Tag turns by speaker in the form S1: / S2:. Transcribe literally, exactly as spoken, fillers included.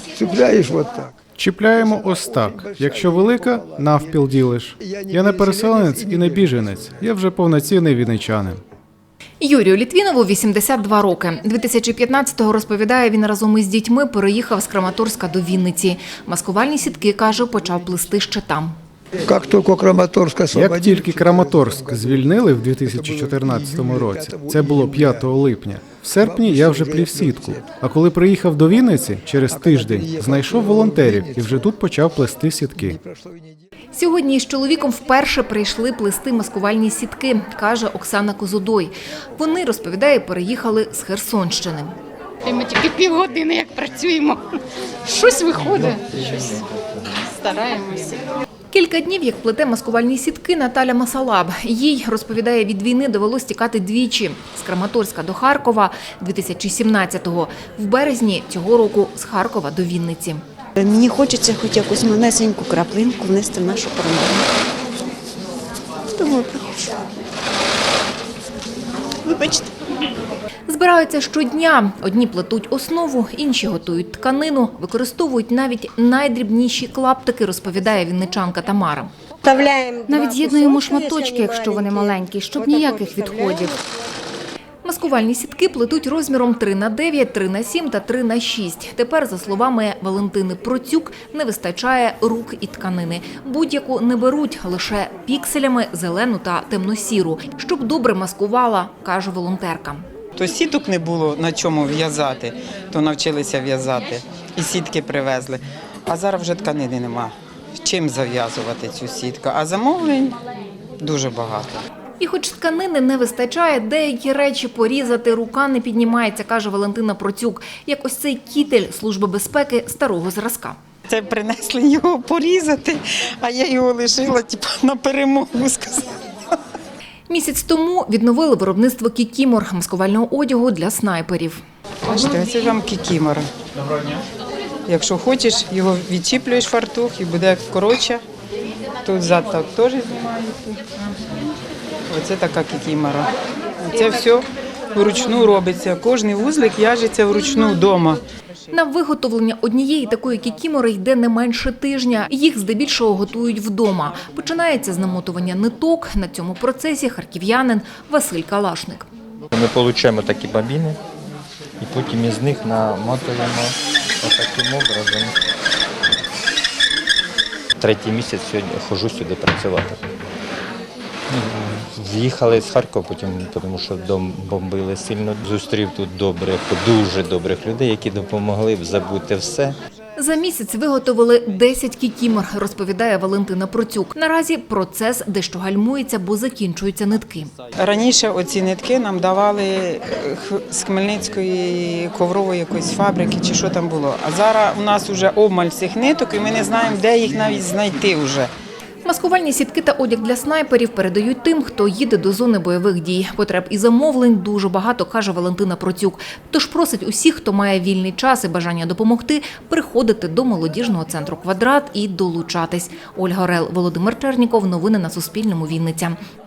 S1: цепляешь вот так.
S2: Чіпляємо ось так. Якщо велика, навпіл ділиш. Я не переселенець і не біженець. Я вже повноцінний вінничанин.
S3: Юрію Літвінову вісімдесят два роки. дві тисячі п'ятнадцятого, розповідає, він разом із дітьми переїхав з Краматорська до Вінниці. Маскувальні сітки, каже, почав плести ще там.
S1: Как только Краматорск освободили...
S2: Як тільки Краматорськ звільнили в дві тисячі чотирнадцятому році, це було п'ятого липня, в серпні я вже плів сітку. А коли приїхав до Вінниці, через тиждень знайшов волонтерів і вже тут почав плести сітки.
S3: Сьогодні із чоловіком вперше прийшли плести маскувальні сітки, каже Оксана Козудой. Вони, розповідає, переїхали з Херсонщини.
S4: Ми тільки півгодини як працюємо. Щось виходить, щось стараємося.
S3: Кілька днів, як плете маскувальні сітки Наталя Масалаб. Їй, розповідає, від війни довелось тікати двічі. З Краматорська до Харкова дві тисячі сімнадцятого. В березні цього року з Харкова до Вінниці.
S5: Мені хочеться хоч якусь малесеньку краплинку внести в нашу перемогу. Тому прошу. Вибачте.
S3: Збираються щодня. Одні плетуть основу, інші готують тканину, використовують навіть найдрібніші клаптики, розповідає вінничанка Тамара.
S6: Навіть з'єднуємо шматочки, якщо вони маленькі, щоб ніяких відходів.
S3: Маскувальні сітки плетуть розміром три на дев'ять, три на сім та три на шість. Тепер, за словами Валентини Процюк, не вистачає рук і тканини. Будь-яку не беруть, лише пікселями, зелену та темно-сіру, щоб добре маскувала, каже волонтерка.
S7: То сіток не було на чому в'язати, то навчилися в'язати і сітки привезли. А зараз вже тканини нема. Чим зав'язувати цю сітку? А замовлень дуже багато.
S3: І хоч тканини не вистачає, деякі речі порізати рука не піднімається, каже Валентина Процюк, як ось цей кітель Служби безпеки старого зразка.
S7: Це принесли його порізати, а я його лишила типу, на перемогу, сказала.
S3: Місяць тому відновили виробництво кікімор – маскувального одягу для снайперів.
S7: Бачите, оце вам кікімора. Якщо хочеш, його відчіплюєш фартух і буде коротше. Тут зад так теж знімається. Оце така кікімора. Це все вручну робиться. Кожний вузлик в'яжеться вручну вдома.
S3: На виготовлення однієї такої кікімори йде не менше тижня. Їх здебільшого готують вдома. Починається з намотування ниток. На цьому процесі харків'янин Василь Калашник.
S8: Ми отримуємо такі бобіни і потім із них намотуємо таким образом. Третій місяць сьогодні ходжу сюди працювати. З'їхали з Харкова, потім, тому що дом бомбили сильно. Зустрів тут добрих, дуже добрих людей, які допомогли забути все.
S3: За місяць виготовили десять кікімор, розповідає Валентина Процюк. Наразі процес дещо гальмується, бо закінчуються нитки.
S7: Раніше оці нитки нам давали з Хмельницької коврової якоїсь фабрики чи що там було. А зараз у нас вже обмаль цих ниток і ми не знаємо, де їх навіть знайти вже.
S3: Маскувальні сітки та одяг для снайперів передають тим, хто їде до зони бойових дій. Потреб і замовлень дуже багато, каже Валентина Процюк. Тож просить усіх, хто має вільний час і бажання допомогти, приходити до молодіжного центру «Квадрат» і долучатись. Ольга Орел, Володимир Черніков. Новини на Суспільному. Вінниця.